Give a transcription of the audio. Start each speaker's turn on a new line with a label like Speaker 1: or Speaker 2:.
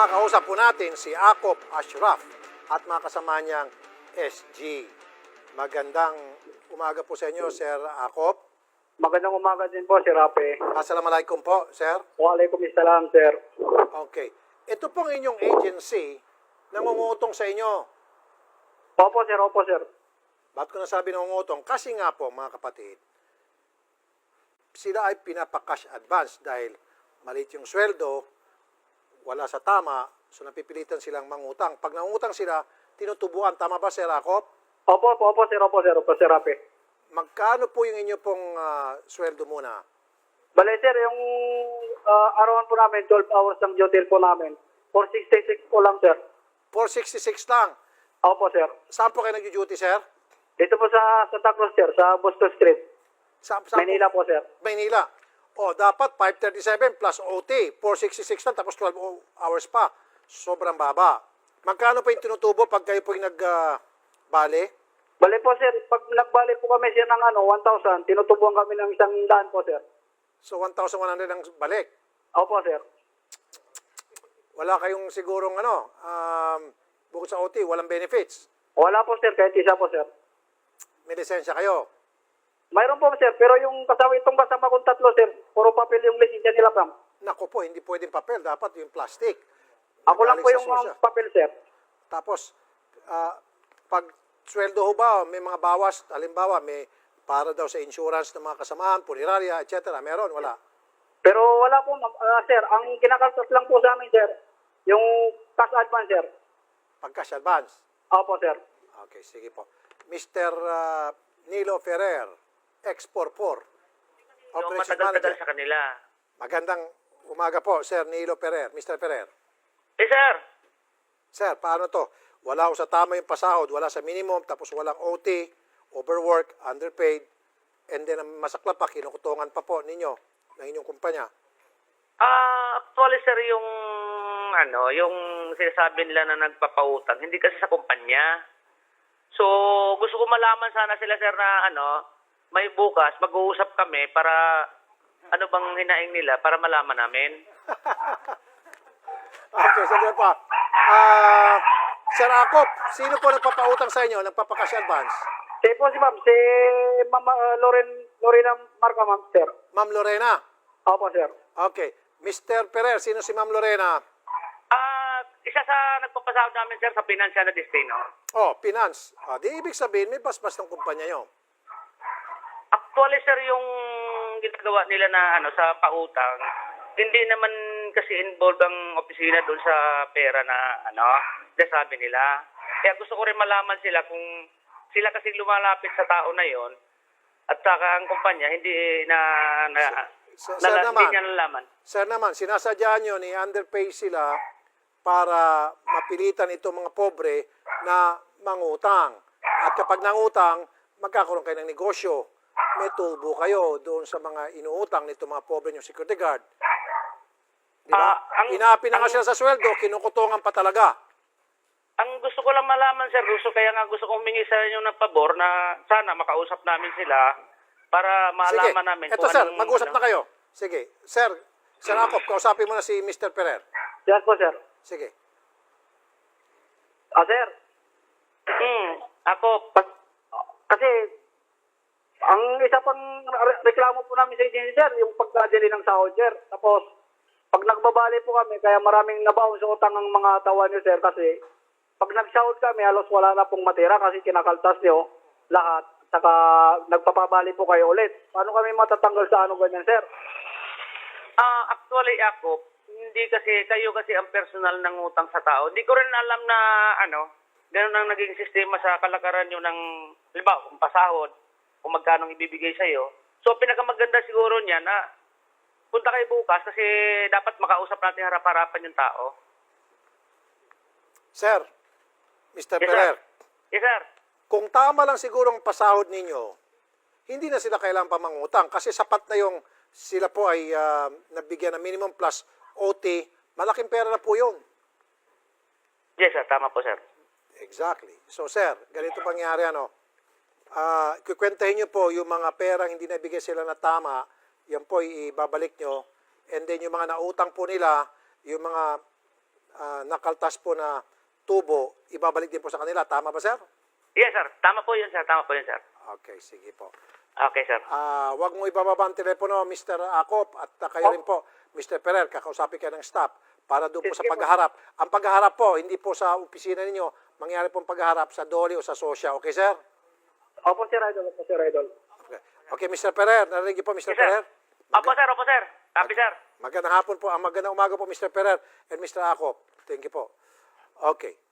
Speaker 1: makakausap po natin si Akop Ashraf at mga kasama niyang SG. Magandang umaga po sa inyo, Sir Akop.
Speaker 2: Magandang umaga din po, Sir Rape.
Speaker 1: Assalamualaikum po, Sir.
Speaker 2: Waalaikumsalam, Sir.
Speaker 1: Okay. Ito pong inyong agency nangungutong sa inyo.
Speaker 2: Opo, Sir. Opo, Sir.
Speaker 1: Ba't ko nasabi nangungutong? Kasi nga po, mga kapatid, sila ay pinapa-cash advance dahil maliit yung sweldo, wala sa tama, so napipilitan silang mangutang. Pag nangutang sila, tinutubuan. Tama ba, Sir Akop?
Speaker 2: Opo, Sir. Opo, Sir. Opo, Sir Rape.
Speaker 1: Magkano po yung inyo pong sweldo muna?
Speaker 2: Bale, Sir, yung arawan po namin, 12 hours ng duty po namin. 466 po lang, Sir.
Speaker 1: 466 lang.
Speaker 2: Opo, Sir.
Speaker 1: Saan po kayo nag-duty, Sir?
Speaker 2: Dito po sa Taclos, Sir, sa Boston Street.
Speaker 1: Saan
Speaker 2: Manila po, Sir.
Speaker 1: Maynila. O, dapat 537 plus OT. 466 lang, tapos 12 hours pa. Sobrang baba. Magkano po yung tinutubo pag kayo po yung nag-bale?
Speaker 2: Bale po, Sir, pag nagbalik po kami, Sir, ng 1,000, tinutubuan kami ng 100 po, Sir.
Speaker 1: So, 1,100 ang balik.
Speaker 2: Opo, Sir.
Speaker 1: Wala kayong sigurong bukod sa OT, walang benefits.
Speaker 2: Wala po, Sir, kahit isa po, Sir.
Speaker 1: May lisensya kayo.
Speaker 2: Mayroon po, Sir, pero yung itong kasama kong tatlo, Sir, puro papel yung lisensya nila, Pam.
Speaker 1: Naku po, hindi pwedeng papel. Dapat yung plastic.
Speaker 2: Ako lang po
Speaker 1: Galing
Speaker 2: yung
Speaker 1: sa susya.
Speaker 2: papel, Sir.
Speaker 1: Tapos, pag sweldo ho ba, may mga bawas, halimbawa, may para daw sa insurance ng mga kasamahan, punerarya, etc. Meron, wala.
Speaker 2: Pero wala po, Sir. Ang kinakaltas lang po sa amin, Sir, yung cash advance, Sir.
Speaker 1: Pag-cash advance.
Speaker 2: Opo, Sir.
Speaker 1: Okay, sige po. Mr. Nilo Ferrer, X44.
Speaker 3: Yung matagal-tagal sa kanila.
Speaker 1: Magandang umaga po, Sir Nilo Ferrer. Mr. Ferrer.
Speaker 3: Sir.
Speaker 1: Sir, paano to? Wala ko sa tama yung pasahod, wala sa minimum, tapos walang OT, overwork, underpaid, and then ang masakla pa, kinukutungan pa po ninyo ng inyong kumpanya.
Speaker 3: Actually, sir, yung sinasabi nila na nagpapautang, hindi kasi sa kumpanya. So, gusto ko malaman sana sila, sir, na may bukas, mag-uusap kami para ano bang hinaing nila para malaman namin.
Speaker 1: Okay, sandali pa. Sir Akop, sino po nagpapautang sa inyo, nagpapakash advance?
Speaker 2: Si Ma'am, si Ma'am Lorena Marca, Ma'am, Sir.
Speaker 1: Ma'am Lorena.
Speaker 2: Opo, Sir.
Speaker 1: Okay. Mr. Ferrer, sino si Ma'am Lorena?
Speaker 3: Isa sa nagpapasahod namin, sir, sa Financial na Destino.
Speaker 1: Oh, finance. Di ibig sabihin, may basbas ng kumpanya nyo.
Speaker 3: Actually, sir, yung ginagawa nila na sa pautang, hindi naman kasi involved ang opisina doon sa pera na sabi nila. Kaya gusto ko rin malaman sila kung sila kasi lumalapit sa tao na yon at saka ang kumpanya hindi hindi niya nalaman.
Speaker 1: Sir naman, sinasadya nyo ni underpay sila para mapilitan itong mga pobre na mangutang. At kapag nangutang, magkakaroon kayo ng negosyo. May tubo kayo doon sa mga inuutang nito mga pobre yung security guard. Diba? Inapi na nga sila sa sweldo, kinukutungan pa talaga.
Speaker 3: Ang gusto ko lang malaman, sir, kaya gusto kong humingi sa inyo ng pabor na sana makausap namin sila para malaman namin.
Speaker 1: Ito, sir, mag-usap na kayo. Sige. Sir Akop, kausapin mo na si Mr. Ferrer.
Speaker 2: Yes po, Sir.
Speaker 1: Sige.
Speaker 2: Sir.
Speaker 3: Ako.
Speaker 2: Kasi, ang isa pang reklamo po namin sa agency, Sir, yung pagkadili ng sahod, Sir. Tapos, pag nagbabali po kami, kaya maraming nabaon sa utang ng mga tawa niyo, Sir, kasi pag nagsahod kami, halos wala na pong matira kasi kinakaltas niyo lahat. Saka nagpapabali po kayo ulit. Paano kami matatanggal sa ganyan, Sir?
Speaker 3: Actually, ako, hindi kasi, kayo kasi ang personal ng utang sa tao. Hindi ko rin alam na, ganun ang naging sistema sa kalakaran nyo ng, halimbawa, kung pasahod, kung magkano ibibigay sa'yo. So, pinakamaganda siguro niya na punta kayo bukas kasi dapat makausap natin harap-harapan yung tao.
Speaker 1: Sir, Mr.
Speaker 3: Yes,
Speaker 1: Ferrer.
Speaker 3: Yes, sir.
Speaker 1: Kung tama lang siguro ang pasahod ninyo, hindi na sila kailangan pa mangutang kasi sapat na yung sila po ay nabigyan ng minimum plus OT, malaking pera na po yun.
Speaker 3: Yes, sir. Tama po, sir.
Speaker 1: Exactly. So, sir, ganito pangyari, kukwentahin nyo po yung mga perang hindi nabigay sila na tama, yan po ibabalik nyo, and then yung mga nautang po nila, yung mga nakaltas po na tubo, ibabalik din po sa kanila. Tama ba, sir?
Speaker 3: Yes, sir. Tama po yun, sir. Tama po yun, sir.
Speaker 1: Okay, sige po.
Speaker 3: Okay, sir.
Speaker 1: Wag mo ibababa ang telepono, Mr. Acop, at kayo rin po, Mr. Ferrer, kakausapin kayo ng staff para doon po sa
Speaker 2: Sige po.
Speaker 1: paghaharap. Ang paghaharap po, hindi po sa opisina ninyo, mangyari pong paghaharap sa Dolly o sa Sosya. Okay, sir?
Speaker 2: Opo, Sir Idol. Opo, Sir Idol.
Speaker 1: Okay, Mr. Ferrer, narinig niyo po, Mr.
Speaker 3: Yes, sir.
Speaker 1: Ferrer?
Speaker 3: Opo, sir. Opo, sir. Copy, sir.
Speaker 1: Magandang hapon po, magandang umaga po, Mr. Ferrer and Mr. Acop. Thank you po. Okay.